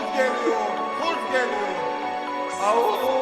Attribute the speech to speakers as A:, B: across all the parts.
A: geliyor. Kuz geliyor. Au.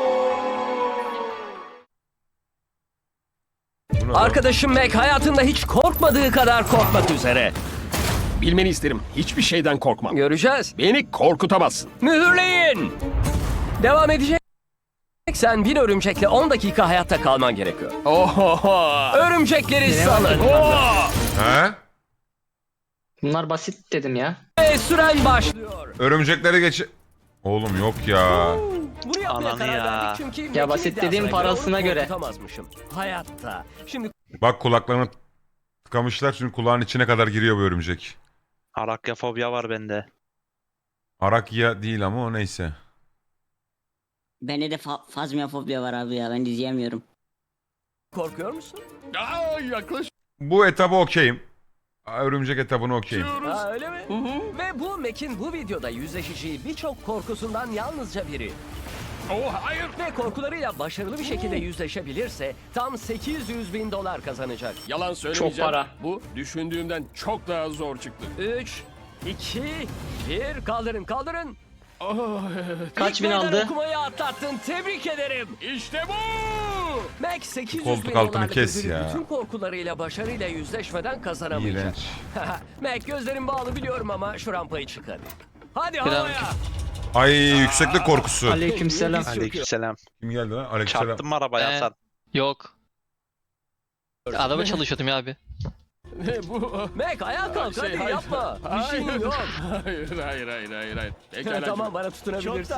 B: Arkadaşım Mac hayatında hiç korkmadığı kadar korkmak üzere.
C: Bilmeni isterim. Hiçbir şeyden korkmam.
B: Göreceğiz.
C: Beni korkutamazsın.
B: Mühürleyin. Devam edecek. Sen bir örümcekle 10 dakika hayatta kalman gerekiyor.
C: Oho.
B: Örümcekleri salın.
A: He?
D: Bunlar basit dedim ya.
B: Ve süren başlıyor.
A: Örümcekleri geç... Oğlum yok ya.
B: Bunu yapmaya
E: Ananı
B: karar
E: ya.
B: verdik çünkü
D: Ya
B: Mac'in
D: basit
B: iddiasına
D: dediğim
B: göre
D: parasına
B: onu
D: göre.
B: korkutamazmışım. Hayatta. Şimdi
A: Bak kulaklarını tıkamışlar çünkü kulağın içine kadar giriyor bu örümcek.
E: Arakyafobya var bende.
A: Arakya değil ama o neyse.
F: Bende de fazmiyafobya var abi ya, ben izleyemiyorum.
B: korkuyor musun?
C: Aa, yaklaş.
A: Bu etabı okeyim. Örümcek etabını okeyim.
B: Ha, öyle mi? Ve bu Mac'in bu videoda yüzleşeceği birçok korkusundan yalnızca biri.
C: Oh hayır.
B: Ve korkularıyla başarılı bir şekilde yüzleşebilirse tam 800 bin dolar kazanacak.
C: Yalan söylemeyeceğim.
D: Çok para.
C: Bu düşündüğümden çok daha zor çıktı.
B: 3, 2, 1 kaldırın kaldırın.
C: Oh, evet.
D: Kaç bin
B: Meydan
D: aldı?
B: okumayı atlattın, tebrik ederim.
C: İşte bu.
B: Mac 800
A: Koltuk
B: bin
A: altını
B: dolarlık
A: kes
B: ödülü
A: ya.
B: bütün korkularıyla başarıyla yüzleşmeden kazanamayacak.
A: İğrenç.
B: Mac gözlerin bağlı biliyorum ama şu rampayı çık hadi. Hadi
D: Biraz-
B: havaya.
A: Ay yükseklik korkusu.
D: Aleykümselam.
E: Aleykümselam.
A: Kim geldi lan? Aleykümselam.
E: Çarptın mı arabaya Hasan?
G: Yok. Araba çalışıyordum ya abi.
C: bu.
B: Mac ayağa kalk hadi
C: hayır.
B: yapma. Bir şeyin
C: Hayır.
B: yok.
C: Hayır. Pekala.
B: Tamam bana tutunabilirsin.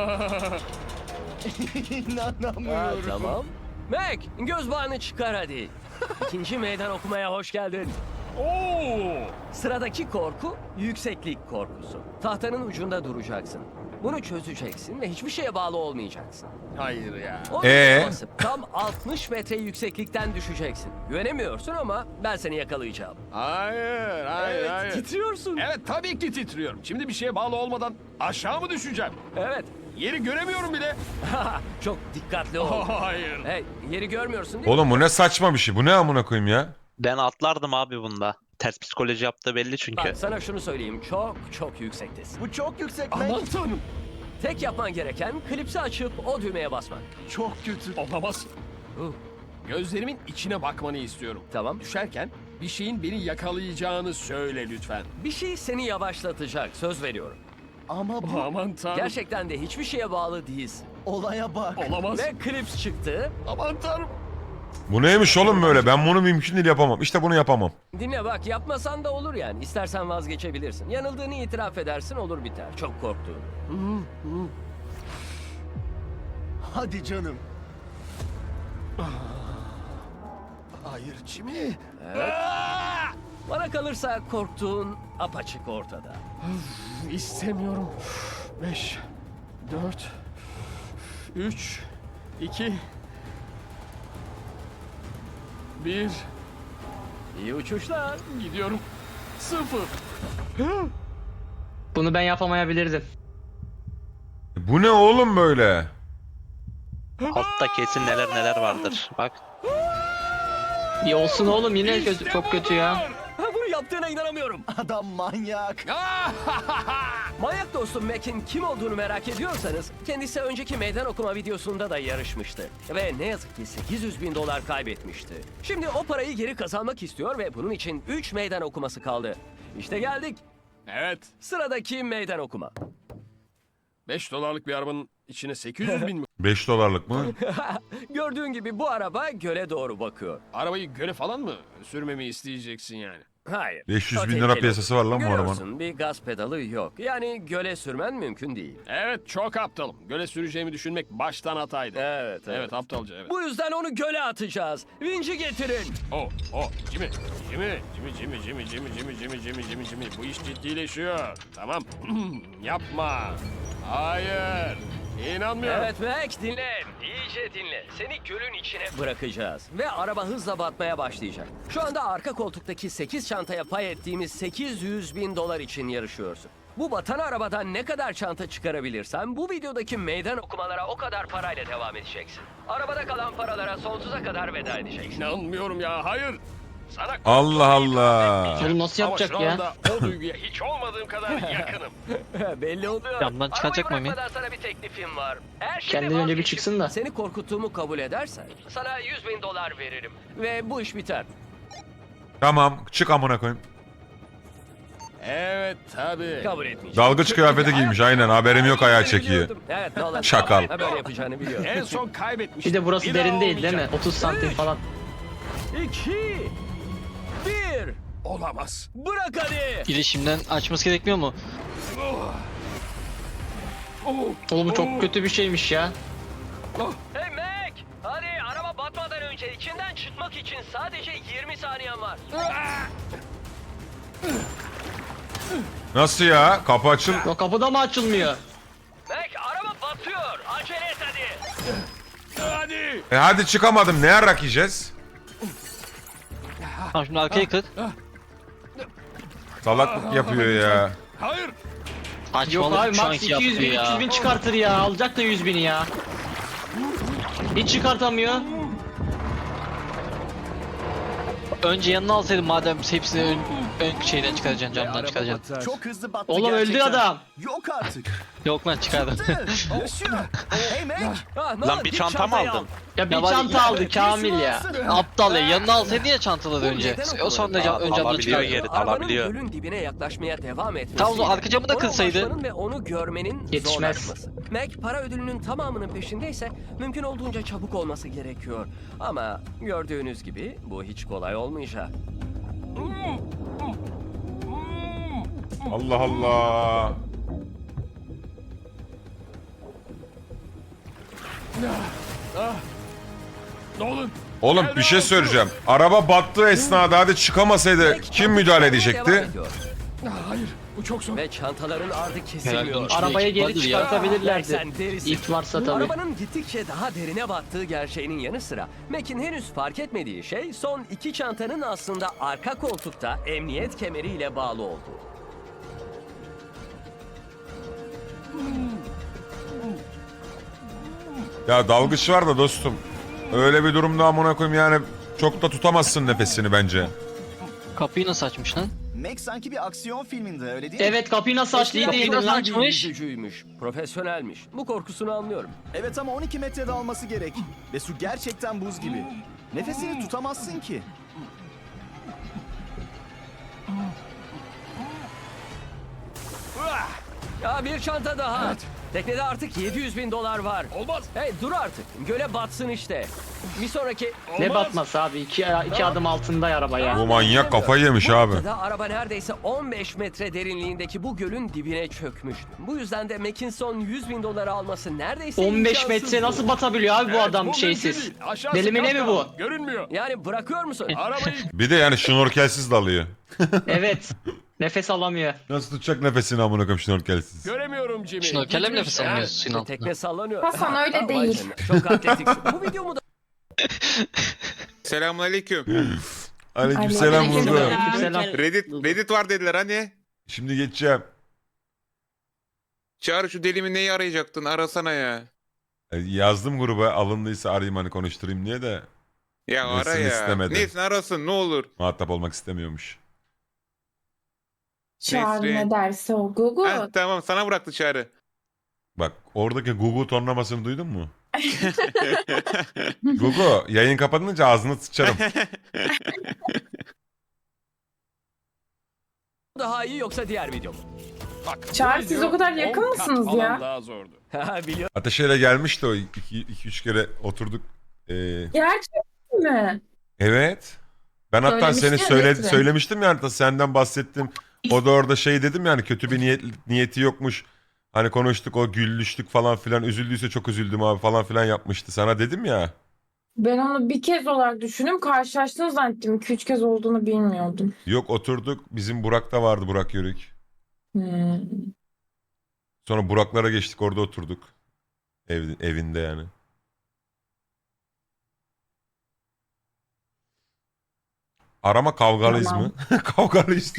B: Ha, tamam. Mac göz bağını çıkar hadi. İkinci meydan okumaya hoş geldin.
C: Oo.
B: Sıradaki korku yükseklik korkusu. Tahtanın ucunda duracaksın. Bunu çözeceksin ve hiçbir şeye bağlı olmayacaksın.
C: Hayır ya.
B: O basıp tam 60 metre yükseklikten düşeceksin. Güvenemiyorsun ama ben seni yakalayacağım.
C: Hayır.
B: Evet, titriyorsun.
C: Evet tabii ki titriyorum. Şimdi bir şeye bağlı olmadan aşağı mı düşeceğim?
B: Evet.
C: Yeri göremiyorum bile.
B: Çok dikkatli ol.
C: Hayır.
B: Hey, yeri görmüyorsun değil mi?
A: Oğlum bu ne saçma bir şey. Bu ne amına koyayım ya?
E: Ben atlardım abi bunda. Ters psikoloji yaptığı belli çünkü.
B: Bak sana şunu söyleyeyim. Çok yüksektesin.
H: Bu çok yüksek
C: Aman tanrım.
B: Tek yapman gereken klipsi açıp o düğmeye basmak.
H: Çok kötü.
C: Olamaz. Gözlerimin içine bakmanı istiyorum.
B: Tamam.
C: Düşerken bir şeyin beni yakalayacağını söyle lütfen.
B: Bir şey seni yavaşlatacak. Söz veriyorum.
H: Ama bu
C: Aman tanrım.
B: Gerçekten de hiçbir şeye bağlı değilsin.
H: olaya bak.
C: Olamaz.
B: Ve klips çıktı.
C: Aman tanrım.
A: Bu neymiş oğlum böyle? Ben bunu mümkün değil yapamam. İşte bunu yapamam.
B: Dinle bak yapmasan da olur yani. İstersen vazgeçebilirsin. Yanıldığını itiraf edersin olur biter. Çok korktuğunu.
H: Hadi canım. Hayır Jimmy.
B: Bana kalırsa korktuğun apaçık ortada.
C: İstemiyorum. 5, 4, 3, 2, 1.
B: İyi uçuşlar.
C: Gidiyorum. 0.
D: Bunu ben yapamayabilirdim.
A: Bu ne oğlum böyle?
E: Altta kesin neler vardır. Bak.
D: İyi olsun oğlum, yine kötü, çok kötü ya.
B: Ha, bunu yaptığına inanamıyorum.
H: Adam manyak.
B: Manyak dostum Mac'in kim olduğunu merak ediyorsanız kendisi önceki meydan okuma videosunda da yarışmıştı. Ve ne yazık ki 800 bin dolar kaybetmişti. Şimdi o parayı geri kazanmak istiyor ve bunun için 3 meydan okuması kaldı. İşte geldik.
C: Evet.
B: Sıradaki meydan okuma.
C: 5 dolarlık bir arabanın içine 800 bin mi?
A: 5 dolarlık mı?
B: Gördüğün gibi bu araba göle doğru bakıyor.
C: Arabayı göle falan mı sürmemi isteyeceksin yani?
B: Hayır.
A: 500
B: O
A: bin lira
B: tehlikeli
A: piyasası var lan bu
B: Görüyorsun,
A: arabanın.
B: bir gaz pedalı yok. Yani göle sürmen mümkün değil.
C: Evet çok aptalım. Göle süreceğimi düşünmek baştan hataydı.
B: Evet.
C: Evet aptalca evet.
B: Bu yüzden onu göle atacağız. Vinci getirin.
C: Jimmy. Bu iş ciddileşiyor. Tamam. Yapma. Hayır. İnanmıyorum.
B: Evet Mac dinle. İyice dinle. Seni gölün içine bırakacağız. Ve araba hızla batmaya başlayacak. Şu anda arka koltuktaki 8 çantaya pay ettiğimiz 800 bin dolar için yarışıyorsun. Bu batan arabadan ne kadar çanta çıkarabilirsen bu videodaki meydan okumalara o kadar parayla devam edeceksin. Arabada kalan paralara sonsuza kadar veda edeceksin.
C: İnanmıyorum ya. Hayır. Sana
A: Allah Allah.
D: Oğlum nasıl
C: Ama şu
D: yapacak ya?
C: anda o duyguya hiç olmadığım kadar yakınım.
B: Belli oluyor.
G: Camdan çıkacak mı
B: Arabayı
G: Emin?
B: bırakmadan sana bir teklifim var. Eğer şimdi
D: Kendinden önce bir
B: vazgeçip
D: çıksın da.
B: Seni korkuttuğumu kabul edersen sana 100.000 dolar veririm. Ve bu iş biter.
A: Tamam çık amına koyayım.
C: Evet tabii.
B: Kabul etmeyeceğim.
A: Dalgıç kıyafeti giymiş aynen haberim yok ayağı çekiyor.
B: Biliyordum. Evet Nolan.
A: Şakal.
B: Ha, böyle yapacağını biliyorum.
C: En son kaybetmiştim.
D: Bir de burası
C: Bir daha
D: derin değil değil mi?
C: olmayacak.
D: 30 santim falan.
B: 2 1
C: Olamaz.
B: Bırak hadi.
G: İletişimden açması gerekmiyor mu?
D: Oğlum bu çok kötü bir şeymiş ya.
B: Hey Mac! Hadi araba batmadan önce içinden çıkmak için sadece 20 saniyen var.
A: Nasıl ya? Kapı açıl.
D: O kapıda mı açılmıyor?
B: Mac araba batıyor. Acele et hadi.
C: Hadi.
A: Hadi çıkamadım. Ne yarak yiyeceğiz?
G: Tamam şimdi arkaya kır.
A: Salaklık yapıyor ya.
C: Hayır.
D: Yok
G: Saçmalık
D: abi
G: şu
D: max
G: anki
D: 200
G: yaptığı
D: bin 300
G: ya.
D: bin çıkartır ya. Alacak da 100 bini ya. Hiç çıkartamıyor.
G: Önce yanına alsaydın madem hepsini ön şeyden çıkaracaksın, camdan çıkaracaksın.
H: Çok hızlı battı
D: Oğlum öldü
H: gerçekten.
D: adam.
H: Yok artık.
G: Yok lan çıkardım.
H: Yaşıyor. Hey Mac.
B: Ah,
E: Lan bir
B: git
E: çanta mı
B: çantayı
E: aldın?
B: al.
D: Ya bir
G: Ya var-
D: çanta aldı Kamil ya.
G: Aptal ya, yanına alsaydın ya çantaları önce.
B: neden
G: O sonra
B: okumadın?
G: ön camdan
E: Alabiliyor
G: çıkardın.
E: geri.
B: Arabanın
E: alabiliyor.
B: gölün dibine yaklaşmaya devam etmesi.
G: Tamam, o arka camı da kırsaydı.
B: Ve onu görmenin
D: Yetişmez.
B: zorlaşması. Mac para ödülünün tamamının peşindeyse mümkün olduğunca çabuk olması gerekiyor. Ama gördüğünüz gibi bu hiç kolay olmayacak.
A: Allah Allah.
C: Nolan.
A: Oğlum bir şey söyleyeceğim. Araba battığı esnada hadi çıkamasaydı
B: Mac
A: kim
B: çabuk
A: müdahale
B: çıkmaya devam
A: edecekti?
B: ediyor.
C: Hayır. Bu çok zor.
B: Ve çantaların ardı
G: Herhalde
B: kesilmiyor.
G: onun
D: Arabaya
G: ekip
D: geri
G: vardır ya.
D: çıkartabilirlerdi.
B: Sen delisin.
D: İlk varsa tabii.
B: Arabanın gittikçe daha derine battığı gerçeğinin yanı sıra Mac'in henüz fark etmediği şey son iki çantanın aslında arka koltukta emniyet kemeriyle bağlı olduğu.
A: Ya dalgıç var da dostum. Öyle bir durumda amına koyayım yani çok da tutamazsın nefesini bence.
G: Kapıyı nasıl açmış lan?
H: Mac sanki bir aksiyon filminde öyle değil mi?
D: Evet kapıyı nasıl açtı iyi
G: Kapıyı
D: değildin
G: nasıl
D: lan.
G: açmış?
B: Yüzücüymüş, profesyonelmiş. Bu korkusunu anlıyorum.
H: Evet ama 12 metrede alması gerek. Ve su gerçekten buz gibi. Nefesini tutamazsın ki.
B: Ya bir çanta daha. Teknede artık 700.000 dolar var.
C: Olmaz.
B: Hey dur artık. Göle batsın işte. Bir sonraki...
D: Ne
C: Olmaz.
D: batması abi? İki adım altında araba ya.
A: Bu manyak kafayı yemiş
B: Bu
A: abi.
B: noktada araba neredeyse 15 metre derinliğindeki bu gölün dibine çökmüştü. Bu yüzden de Mackinson 100.000 doları alması neredeyse
D: 15
B: imkansızdı.
D: metre nasıl batabiliyor abi bu
C: Evet,
D: adam
C: mümkün
D: şeysiz?
C: değil. Aşağısı
D: Deli mi ne mi bu?
C: kapkara. Görünmüyor.
B: Yani bırakıyor musun?
C: Arabayı
A: Bir de yani şnorkelsiz dalıyor.
D: Evet. Nefes alamıyor.
A: Nasıl tutacak nefesini amına koyayım şnorkelsiz?
C: göremiyorum Jimmy.
G: Şnorkelle mi nefes
C: Gitmiş.
G: almıyorsun suyun altında?
B: Tekne sallanıyor.
I: Hasan öyle
B: Vay
I: değil.
B: canına, çok atletiksin. Bu videomu da
J: Selamünaleyküm.
A: Aleykümselam
I: Aleykümselam.
A: burada.
D: Aleykümselam.
J: Reddit var dediler hani.
A: Şimdi geçeceğim.
J: Çağrı şu delimi neyi arayacaktın? Arasana ya.
A: Yazdım gruba alındıysa arayayım hani konuşturayım diye de
J: Ya ara
A: Nesrin
J: ya.
A: istemedi.
J: Nesrin arasın ne olur.
A: muhatap olmak istemiyormuş.
I: Çağrı
J: Nesrin.
I: ne derse o Google.
J: Heh, tamam sana bıraktı Çağrı.
A: Bak oradaki Gugu tonlamasını duydun mu? Gugu yayın kapanınca ağzını sıçarım.
B: daha iyi yoksa diğer video mu?
C: Bak,
I: Çağrı,
C: bu
I: siz
C: video
I: o kadar
C: 10
I: yakın
C: kat
I: mısınız
C: falan
I: ya?
C: Daha zordu.
B: Biliyorum.
A: Ateşeyle gelmişti o 2-3 kere oturduk.
I: Gerçekten mi?
A: Evet. Ben hatta seni
I: Söylemiştin ya, Nesrin.
A: söylemiştim ya hatta senden bahsettim. O da orada şey dedim yani kötü bir niyeti yokmuş. Hani konuştuk o güllüştük falan filan üzüldüyse çok üzüldüm abi falan filan yapmıştı. Sana dedim ya.
I: Ben onu bir kez olarak düşündüm. Karşılaştınız zannettim. 2-3 kez olduğunu bilmiyordum.
A: Yok oturduk bizim Burak'ta vardı Burak Yörük.
I: Hmm.
A: Sonra Burak'lara geçtik orada oturduk. Evinde yani. Arama kavgalıyız
I: Tamam.
A: mı? Kavgalıyız.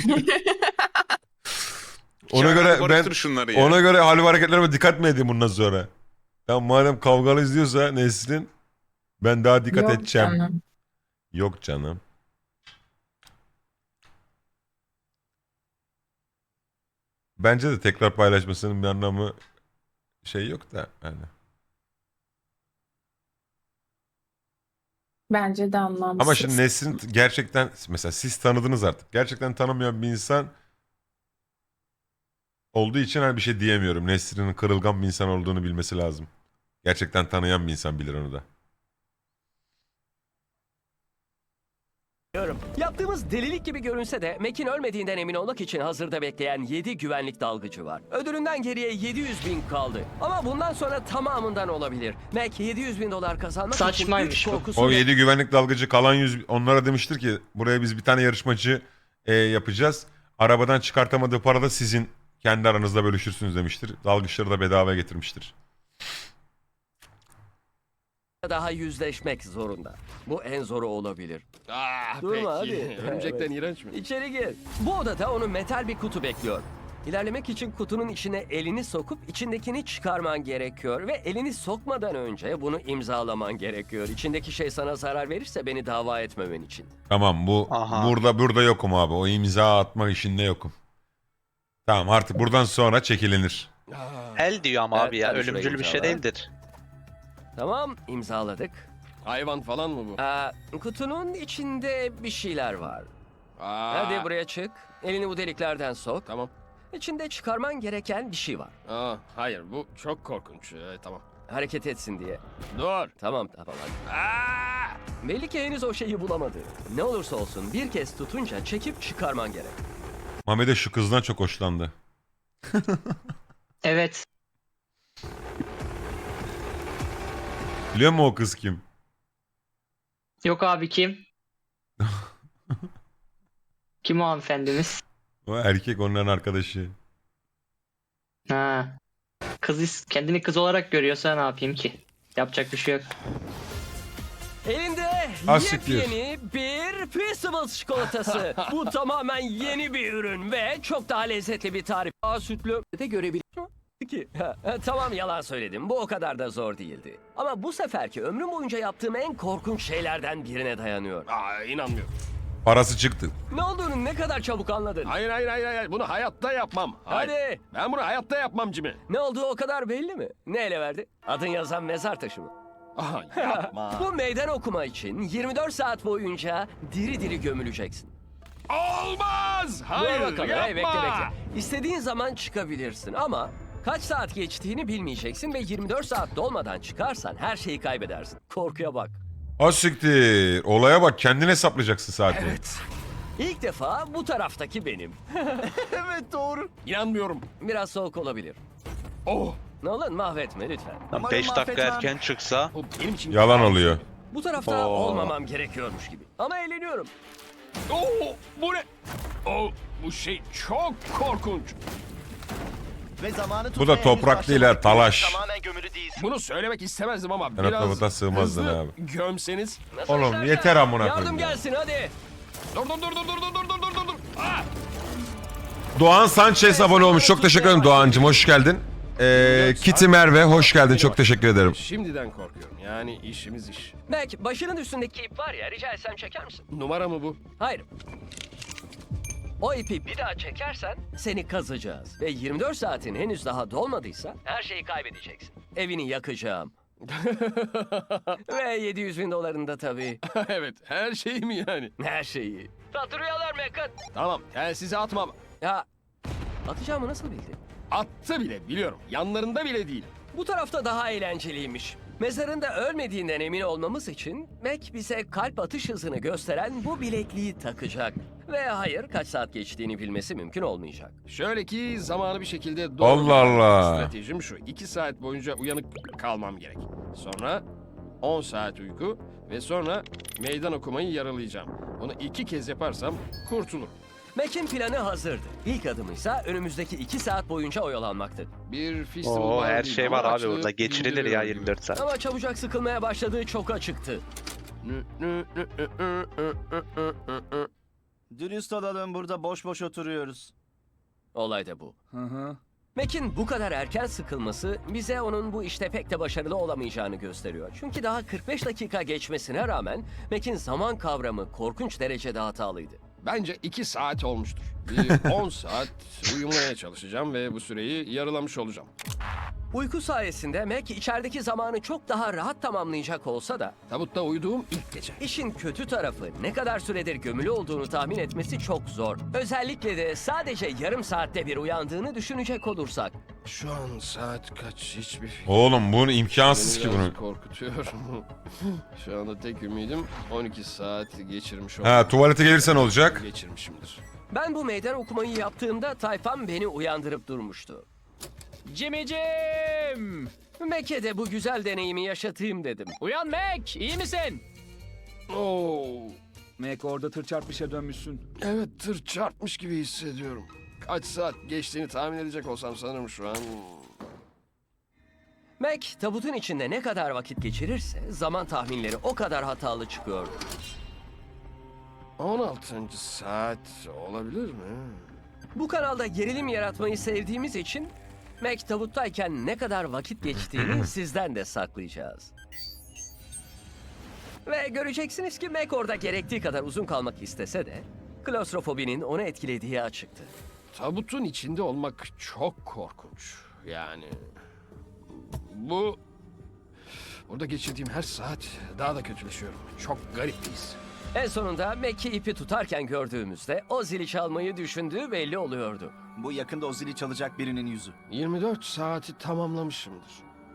A: Ona
J: Çağrı,
A: göre ben
J: barıştır şunları ya.
A: ona göre hal ve hareketlerime dikkat mi edeyim bundan sonra? Ya madem kavgalıyız diyorsa Nesrin ben daha dikkat
I: Yok
A: edeceğim.
I: canım.
A: Yok canım. Bence de tekrar paylaşmasının bir anlamı şey yok da yani.
I: Bence de anlamsız.
A: Ama şimdi Nesrin gerçekten mesela siz tanıdınız artık. Gerçekten tanımayan bir insan olduğu için hani bir şey diyemiyorum. Nesrin'in kırılgan bir insan olduğunu bilmesi lazım. Gerçekten tanıyan bir insan bilir onu da.
B: Yaptığımız delilik gibi görünse de Mac'in ölmediğinden emin olmak için hazırda bekleyen 7 güvenlik dalgıcı var. Ödülünden geriye 700.000 kaldı. Ama bundan sonra tamamından olabilir. Mac 700.000 dolar kazanmak
D: Saçmaymış
B: için
D: bu.
B: güç korkusu
A: O
B: ve
A: 7 güvenlik dalgıcı kalan 100 onlara demiştir ki buraya biz bir tane yarışmacı yapacağız. Arabadan çıkartamadığı para da sizin kendi aranızda bölüşürsünüz demiştir. Dalgıçları da bedava getirmiştir.
B: daha yüzleşmek zorunda. Bu en zoru olabilir.
C: Ah
B: Durma,
C: peki.
B: hadi.
C: Örümcekten iğrenç mi?
B: İçeri gir. Bu odada onu metal bir kutu bekliyor. İlerlemek için kutunun içine elini sokup içindekini çıkarman gerekiyor ve elini sokmadan önce bunu imzalaman gerekiyor. İçindeki şey sana zarar verirse beni dava etmemen için.
A: Tamam bu
E: Aha.
A: burada yokum abi. O imza atma işinde yokum. Tamam artık buradan sonra çekilinir.
E: El diyor ama
B: Evet,
E: abi ya.
B: tabii şurayı
E: Ölümcül bir şey
B: imzala.
E: değildir.
B: Tamam, imzaladık.
C: Hayvan falan mı bu?
B: Kutunun içinde bir şeyler var.
C: Aa,
B: Hadi buraya çık. Elini bu deliklerden sok.
C: Tamam.
B: İçinde çıkarman gereken bir şey var.
C: Hayır bu çok korkunç. Tamam.
B: Hareket etsin diye.
C: Dur.
B: Tamam hadi. Belli ki henüz o şeyi bulamadı. Ne olursa olsun bir kez tutunca çekip çıkarman gerek.
A: Mehmet'e şu kızdan çok hoşlandı.
D: Evet.
A: Biliyor musun o kız kim?
D: Yok abi kim? Kim o hanımefendimiz?
A: O erkek onların arkadaşı.
D: Ha. Kendini kız olarak görüyorsa ne yapayım ki? Yapacak bir şey yok.
B: Elinde
A: Asiktir.
B: yepyeni bir Peaceables çikolatası. Bu tamamen yeni bir ürün ve çok daha lezzetli bir tarif. Sütlü de görebiliyor ki. Tamam yalan söyledim. Bu o kadar da zor değildi. Ama bu seferki ömrüm boyunca yaptığım en korkunç şeylerden birine dayanıyor.
C: İnanmıyorum.
A: Parası çıktı.
B: Ne olduğunu ne kadar çabuk anladın.
C: Hayır. Bunu hayatta yapmam. Hayır.
B: Hadi.
C: Ben bunu hayatta yapmam Jimmy.
B: Ne olduğu o kadar belli mi? Ne ele verdi? Adın yazan mezar taşı mı?
C: Yapma.
B: Bu meydan okuma için 24 saat boyunca diri diri gömüleceksin.
C: Olmaz. Hayır
B: Dur bakalım.
C: yapma.
B: Hey, bekle. İstediğin zaman çıkabilirsin ama kaç saat geçtiğini bilmeyeceksin ve 24 saat dolmadan çıkarsan her şeyi kaybedersin. Korkuya bak.
A: Asiktir. Olaya bak kendin hesaplayacaksın saati.
B: Evet. İlk defa bu taraftaki benim.
H: Evet doğru.
C: İnanmıyorum.
B: Biraz soğuk olabilir.
C: Oh.
B: Nolan mahvetme lütfen.
E: Lan 5 dakika
H: mahvetmem.
E: erken çıksa
C: Bu benim için
A: Yalan oluyor.
B: Bu tarafta
E: Oo.
B: olmamam gerekiyormuş gibi. Ama eğleniyorum.
C: Bu ne? Bu şey çok korkunç.
H: Ve zamanı
A: Bu
H: tutmaya
A: da
H: henüz
A: toprak değil ha
H: başlamadık.
A: talaş.
H: Tamamen gömülü değilsin.
C: Bunu söylemek istemezdim ama
A: Ben
C: biraz
A: tabuta sığmazdın
C: hızlı
A: abi.
C: gömseniz.
B: Nasıl
A: Oğlum,
B: istersen.
A: yeter amına koyayım
B: Yardım
A: ya.
B: gelsin hadi.
C: Dur.
A: Doğan Sanchez abone olmuş. Çok teşekkür ederim Doğancığım. Hoş geldin. Kitty Merve hoş geldin. Çok teşekkür ederim.
C: Şimdiden korkuyorum. Yani işimiz iş.
B: Mac başının üstündeki ip var ya rica etsem çeker misin?
C: Numara mı bu?
B: Hayır. O ipi bir daha çekersen seni kazacağız. Ve 24 saatin henüz daha dolmadıysa her şeyi kaybedeceksin. Evini yakacağım. Ve 700.000 dolarını da tabii.
C: Evet. Her şey mi yani?
B: Her şeyi. Tatlı rüyalar Mac'ın.
C: Tamam. Telsizi atmam.
B: Ya atacağımı nasıl bildin?
C: Attı bile biliyorum. Yanlarında bile değil.
B: Bu tarafta daha eğlenceliymiş. Mezarında ölmediğinden emin olmamız için Mac bize kalp atış hızını gösteren bu bilekliği takacak. Ve hayır kaç saat geçtiğini bilmesi mümkün olmayacak.
C: Şöyle ki zamanı bir şekilde doğru.
A: Allah Allah.
C: Stratejim şu. 2 saat boyunca uyanık kalmam gerek. Sonra 10 saat uyku ve sonra meydan okumayı yaralayacağım. Bunu 2 kez yaparsam kurtulurum.
B: Mac'in planı hazırdı. İlk adımıysa önümüzdeki 2 saat boyunca oyalanmaktı.
C: Bir festival
E: Oo,
C: var
E: her
C: değil
E: şey
C: ama
E: var abi
C: açlığı
E: burada. Geçirilir ya
C: indiriyorum
E: 24 saat.
B: Ama çabucak sıkılmaya başladığı çok açıktı.
H: Dürüst olalım burada boş boş oturuyoruz.
B: Olay da bu.
H: Hı hı.
B: Mac'in bu kadar erken sıkılması bize onun bu işte pek de başarılı olamayacağını gösteriyor. Çünkü daha 45 dakika geçmesine rağmen Mac'in zaman kavramı korkunç derecede hatalıydı.
C: Bence 2 saat olmuştur. Bir 10 saat uyumaya çalışacağım ve bu süreyi yarılamış olacağım.
B: Uyku sayesinde Mac içerideki zamanı çok daha rahat tamamlayacak olsa da
C: Tabutta uyuduğum ilk gece.
B: işin kötü tarafı ne kadar süredir gömülü olduğunu tahmin etmesi çok zor. Özellikle de sadece yarım saatte bir uyandığını düşünecek olursak.
C: Şu an saat kaç hiçbir fikrim.
A: Oğlum bunu imkansız ki
C: Beni
A: bunu.
C: biraz korkutuyor. Şu anda tek ümidim 12 saat geçirmiş
A: Ha tuvalete gelirsen olacak.
C: Geçirmişimdir.
B: Ben bu meydan okumayı yaptığımda tayfam beni uyandırıp durmuştu.
G: Jimmy'cim!
B: Mac'e de bu güzel deneyimi yaşatayım dedim.
G: Uyan Mac, iyi misin?
C: Oo,
H: Mac orada tır çarpmışa dönmüşsün.
C: evet tır çarpmış gibi hissediyorum. Kaç saat geçtiğini tahmin edecek olsam sanırım şu an.
B: Mac tabutun içinde ne kadar vakit geçirirse zaman tahminleri o kadar hatalı çıkıyordu.
C: 16. saat olabilir mi?
B: Bu kanalda gerilim yaratmayı sevdiğimiz için Mac tabuttayken ne kadar vakit geçtiğini sizden de saklayacağız. Ve göreceksiniz ki Mac orada gerektiği kadar uzun kalmak istese de klostrofobinin onu etkilediği açıktı.
C: Tabutun içinde olmak çok korkunç. Yani burada geçirdiğim her saat daha da kötüleşiyorum. Çok garip bir his.
B: En sonunda Mac'i ipi tutarken gördüğümüzde o zili çalmayı düşündüğü belli oluyordu.
H: Bu yakında o zili çalacak birinin yüzü.
C: 24 saati tamamlamışımdır.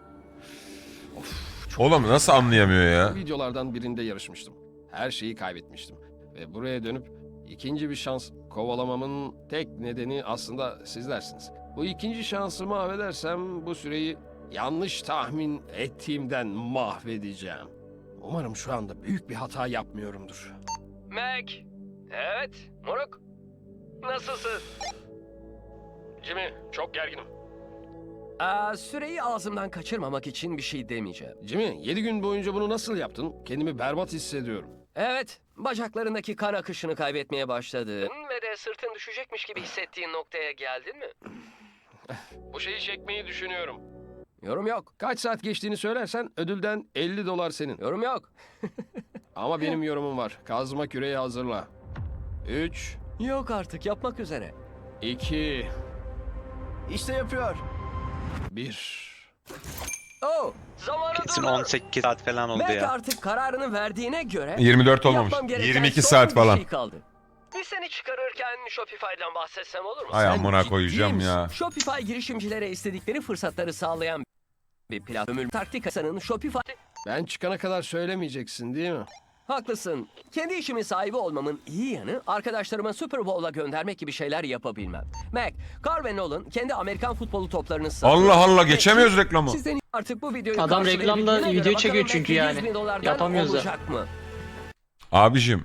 A: Oğlum nasıl anlayamıyor ya?
C: Videolardan birinde yarışmıştım. Her şeyi kaybetmiştim. Ve buraya dönüp ikinci bir şans kovalamamın tek nedeni aslında sizlersiniz. Bu ikinci şansımı mahvedersem bu süreyi yanlış tahmin ettiğimden mahvedeceğim. Umarım şu anda büyük bir hata yapmıyorumdur.
B: Mac. Evet, moruk. Nasılsın?
C: Jimmy, çok gerginim.
B: Süreyi ağzımdan kaçırmamak için bir şey demeyeceğim.
C: Jimmy, 7 gün boyunca bunu nasıl yaptın? Kendimi berbat hissediyorum.
B: Evet, bacaklarındaki kan akışını kaybetmeye başladın ve de sırtın düşecekmiş gibi hissettiğin noktaya geldin mi?
C: Bu şeyi çekmeyi düşünüyorum.
B: Yorum yok,
C: Kaç saat geçtiğini söylersen ödülden $50 senin.
B: yorum yok.
C: Ama benim yorumum var. Kazma küreği hazırla. 3,
B: Yok artık, yapmak üzere.
C: 2,
H: İşte yapıyor.
C: 1.
B: Oh, zamanı
E: Kesin
B: durdur.
E: 18 saat falan oldu
B: Mac
E: ya.
B: artık kararını verdiğine göre
A: 24 olmamış.
B: yapmam gereken
A: 22
B: son
A: saat
B: bir
A: falan.
B: şey kaldı. Bir seni çıkarırken Shopify'dan bahsetsem olur mu?
A: Ay
B: Sen
A: amına
B: ciddi
A: koyacağım
B: misin?
A: ya.
B: Shopify girişimcilere istedikleri fırsatları sağlayan bir platform. Taktikasının Shopify...
C: Ben çıkana kadar söylemeyeceksin değil mi?
B: Haklısın. Kendi işimin sahibi olmamın iyi yanı arkadaşlarıma Super Bowl'a göndermek gibi şeyler yapabilmem. Mac, Carl ve Nolan kendi Amerikan futbolu toplarını satıyor.
A: Allah Allah
B: Ve
A: geçemiyoruz reklamı.
B: Sizden artık bu videoyu
D: Adam
B: karşılayabildiğine
D: reklamda
B: göre
D: video
B: bakalım
D: çekiyor
B: Mac
D: çünkü
B: 700
D: yani.
B: bin dolardan
D: Yapamıyoruz da.
B: olacak mı?
A: Abicim.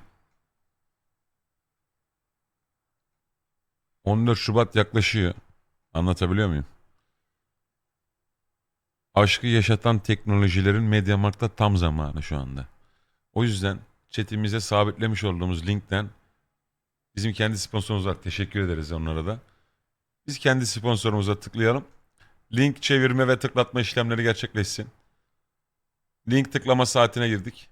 A: 14 Şubat yaklaşıyor. Anlatabiliyor muyum? Aşkı yaşatan teknolojilerin Mediamarkt'ta tam zamanı şu anda. O yüzden chatimize sabitlemiş olduğumuz linkten bizim kendi sponsorumuz var. Teşekkür ederiz onlara da. Biz kendi sponsorumuza tıklayalım. Link çevirme ve tıklatma işlemleri gerçekleşsin. Link tıklama saatine girdik.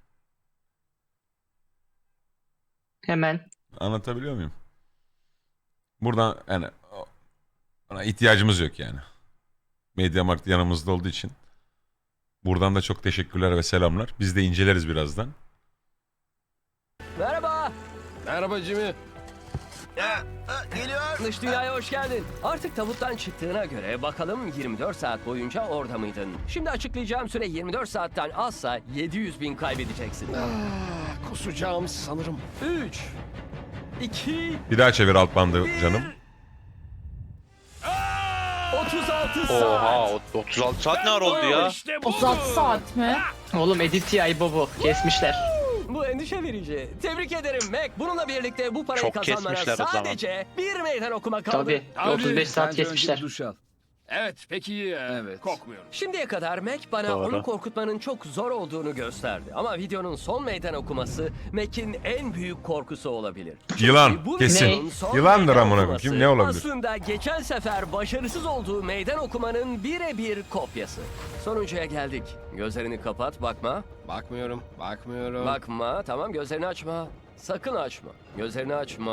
D: Hemen.
A: Anlatabiliyor muyum? Buradan yani ona ihtiyacımız yok yani. Mediamarkt yanımızda olduğu için. Buradan da çok teşekkürler ve selamlar. Biz de inceleriz birazdan.
B: Merhaba.
C: Merhaba Jimmy.
H: Geliyor.
B: Dış dünyaya hoş geldin. Artık tabuttan çıktığına göre bakalım 24 saat boyunca orada mıydın? Şimdi açıklayacağım süre 24 saatten azsa 700 bin kaybedeceksin.
C: Kusacağım sanırım.
B: 3, 2,
A: Bir daha çevir alt bandı canım.
B: 36 saat.
E: Oha 36 saat ne ara oldu ya?
C: İşte bu.
I: 36 saat mi?
D: Oğlum edit ya bu. Kesmişler.
B: Bu endişe verici. Tebrik ederim Mac. Bununla birlikte bu parayı
E: Çok
B: kazanmana
E: kesmişler o zaman.
B: sadece bir meydan okuma kaldı.
D: Tabii. 35 saat kesmişler.
H: Duş al.
C: Evet peki
H: Evet.
C: kokmuyorum.
B: Şimdiye kadar Mac bana
E: Doğru.
B: onu korkutmanın çok zor olduğunu gösterdi. Ama videonun son meydan okuması Mac'in en büyük korkusu olabilir.
A: Yılan
B: Bu
A: kesin.
B: videonun son
A: Yılandır
B: meydan
A: amına koyayım.
B: okuması
A: Kim ne olabilir?
B: Aslında geçen sefer başarısız olduğu meydan okumanın birebir kopyası. Sonuncuya geldik. Gözlerini kapat, bakma.
C: Bakmıyorum.
B: Bakma, tamam gözlerini açma. Sakın açma. Gözlerini açma.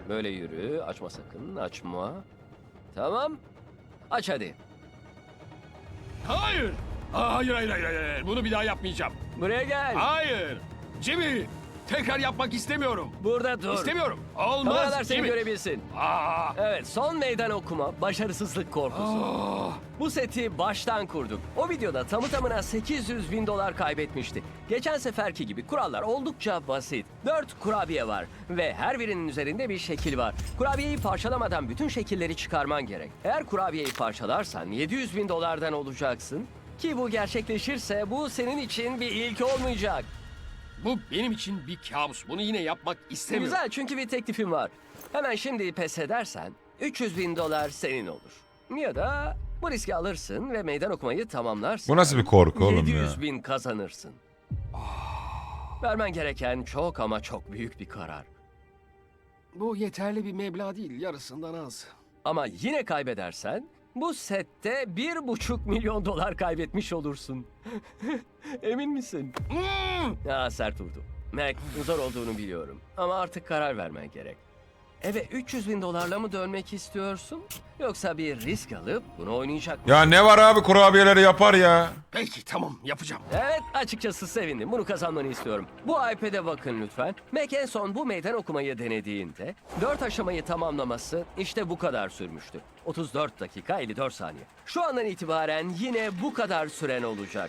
B: Böyle yürü. Açma sakın. Açma. Tamam. Aç hadi.
C: Hayır. Hayır. Bunu bir daha yapmayacağım.
B: Buraya gel.
C: Hayır. Jimmy, tekrar yapmak istemiyorum.
B: Burada dur.
C: İstemiyorum.
B: Kameralar
C: Olmaz
B: seni
C: Jimmy.
B: görebilsin. Evet, son meydan okuma, başarısızlık korkusu. Bu seti baştan kurduk. O videoda tamı tamına 800 bin dolar kaybetmişti. Geçen seferki gibi kurallar oldukça basit. 4 kurabiye var ve her birinin üzerinde bir şekil var. Kurabiyeyi parçalamadan bütün şekilleri çıkarman gerek. Eğer kurabiyeyi parçalarsan 700 bin dolardan olacaksın. Ki bu gerçekleşirse bu senin için bir ilk olmayacak.
C: Bu benim için bir kabus. Bunu yine yapmak istemiyorum.
B: Güzel, çünkü bir teklifim var. Hemen şimdi pes edersen 300 bin dolar senin olur. Ya da bu riski alırsın ve meydan okumayı tamamlarsın.
A: Bu nasıl bir korku oğlum
B: 700
A: ya?
B: bin kazanırsın. Vermen gereken çok ama çok büyük bir karar.
C: Bu yeterli bir meblağ değil. Yarısından az.
B: Ama yine kaybedersen bu sette 1,5 milyon dolar kaybetmiş olursun. Emin misin? Ya sert vurdu. Mac, zor olduğunu biliyorum. Ama artık karar vermen gerek. Eve 300 bin dolarla mı dönmek istiyorsun? Yoksa bir risk alıp bunu oynayacak mısın?
A: Ya ne var abi, kurabiyeleri yapar ya.
C: Peki tamam yapacağım.
B: Evet, açıkçası sevindim. Bunu kazanmanı istiyorum. Bu iPad'e bakın lütfen. Mac en son bu meydan okumayı denediğinde 4 aşamayı tamamlaması işte bu kadar sürmüştü. 34 dakika 54 saniye. Şu andan itibaren yine bu kadar süren olacak.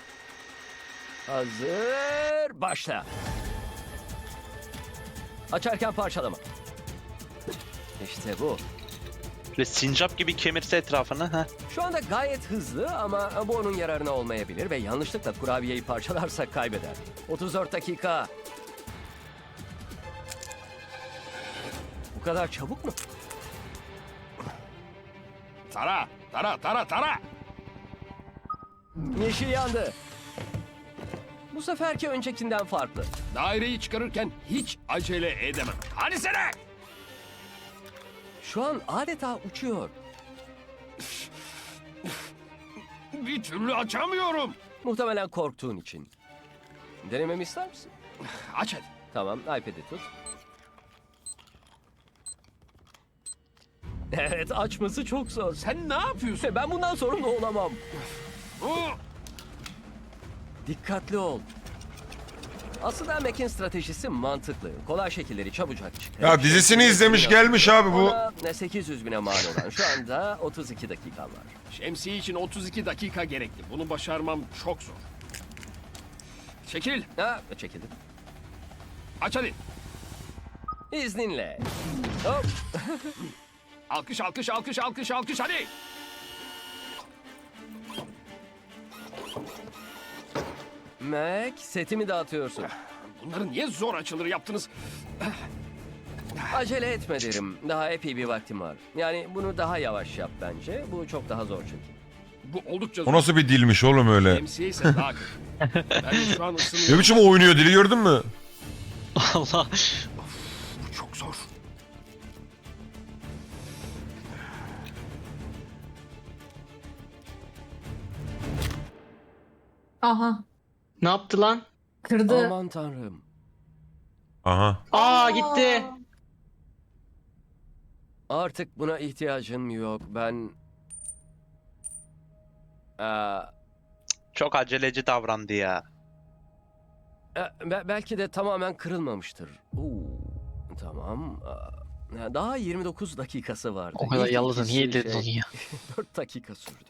B: Hazır, başla. Açarken parçalama. İşte bu.
E: Böyle sincap gibi kemirse etrafını. Ha.
B: Şu anda gayet hızlı ama bu onun yararına olmayabilir ve yanlışlıkla kurabiyeyi parçalarsak kaybeder. 34 dakika. Bu kadar çabuk mu?
C: Tara.
B: Yeşil yandı. Bu seferki öncekinden farklı.
C: Daireyi çıkarırken hiç acele edemem. Hadi sene.
B: Şu an adeta uçuyor.
C: Bir türlü açamıyorum.
B: Muhtemelen korktuğun için. Denememi ister misin?
C: Aç hadi.
B: Tamam, iPad'i tut. Evet, açması çok zor.
C: Sen ne yapıyorsun?
B: Ben bundan sorumlu olamam. Dikkatli ol. Aslında Mac'in stratejisi mantıklı. Kolay şekilleri çabucak çıkar.
A: Ya dizisini izlemiş gelmiş abi bu.
B: Ona 800 bine mal olan şu anda 32 dakika var.
C: Şemsiye için 32 dakika gerekli. Bunu başarmam çok zor. Çekil.
B: Ha, çekildim.
C: Aç hadi.
B: İzninle. Hop.
C: Alkış hadi.
B: Mac, setimi dağıtıyorsun.
C: Bunları niye zor açılır yaptınız?
B: Acele etme derim. Daha epey bir vaktim var. Yani bunu daha yavaş yap bence. Bu çok daha zor çünkü.
C: Bu oldukça
A: O
C: zor.
A: nasıl bir dilmiş oğlum öyle?
C: Şemsiye ise daha kötü. Ben şu an
A: Ne
C: ısınıyorum.
A: biçim oynuyor dili, gördün mü?
G: Allah.
C: Bu çok zor.
I: Aha.
D: Ne yaptı lan?
I: Kırdı.
B: Aman tanrım.
A: Aha.
D: Aa gitti.
B: Artık buna ihtiyacım yok. Ben... Aa,
E: Çok aceleci davrandı ya.
B: belki de tamamen kırılmamıştır. Tamam. Daha 29 dakikası vardı.
G: O kadar
B: İlk
G: yalnızdı.
B: ikisi
G: Niye dedin onu ya?
B: 4 dakika sürdü.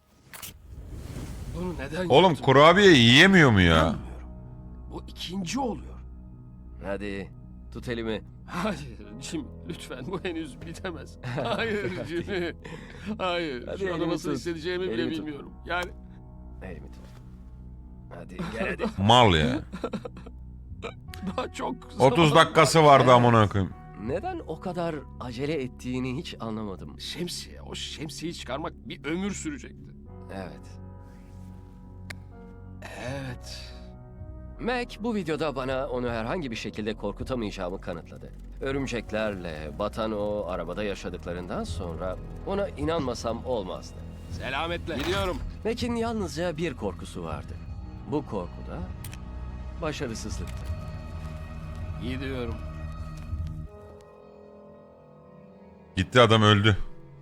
C: Bunu neden
A: Oğlum
C: yaptım?
A: kurabiye yiyemiyor mu ya?
C: Bilmiyorum. Bu ikinci oluyor.
B: Hadi tut elimi.
C: Hayır Jim lütfen bu henüz bitemez. Hayır Jimmy. Hayır.
B: Hadi
C: Şu anda
B: elimi
C: nasıl
B: tut.
C: hissedeceğimi bile
B: Elimi tut.
C: bilmiyorum. Yani
B: Elimi tut. Hadi gel hadi.
A: Mal ya.
C: daha çok
A: 30
C: zaman
A: dakikası
C: var.
A: vardı amına koyayım.
B: Neden o kadar acele ettiğini hiç anlamadım.
C: Şemsiye. O şemsiyeyi çıkarmak bir ömür sürecekti.
B: Evet.
C: Evet.
B: Mac bu videoda bana onu herhangi bir şekilde korkutamayacağımı kanıtladı. Örümceklerle batan o arabada yaşadıklarından sonra ona inanmasam olmazdı.
C: Selametle. Gidiyorum.
B: Mac'in yalnızca bir korkusu vardı. Bu korku da başarısızlıktı.
C: Gidiyorum.
A: Gitti, adam öldü.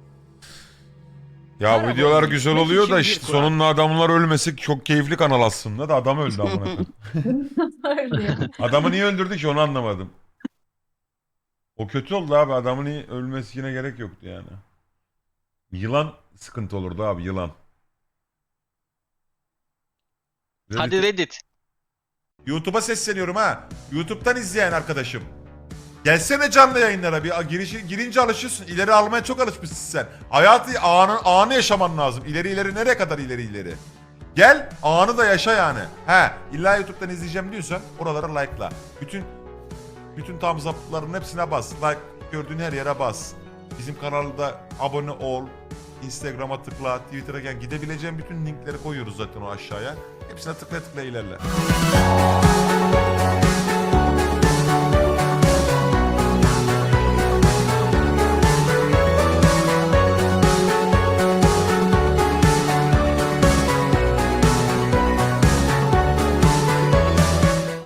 A: Ya
B: Karavanı
A: videolar güzel
B: gitmek
A: oluyor
B: için
A: da
B: bir
A: işte
B: kural.
A: sonunda adamlar ölmesi çok keyifli kanal aslında da adam öldü amına koyayım.
I: Öyle.
A: Adamı niye öldürdü ki onu anlamadım. O kötü oldu abi, adamın ölmesine gerek yoktu yani. Yılan sıkıntı olurdu abi, yılan.
G: Hadi Reddit.
K: YouTube'a sesleniyorum ha. YouTube'dan izleyen arkadaşım. Gelsene canlı yayınlara bir girince alışıyorsun. İleri almaya çok alışmışsın sen. Hayatı anı yaşaman lazım. İleri nereye kadar ileri. Gel anı da yaşa yani. He illa YouTube'dan izleyeceğim diyorsan oralara like'la. Bütün thumbs up'ların hepsine bas. Like gördüğün her yere bas. Bizim kanalda abone ol. Instagram'a tıkla, Twitter'a gel. Gidebileceğin bütün linkleri koyuyoruz zaten o aşağıya. Hepsine tıkla ilerle.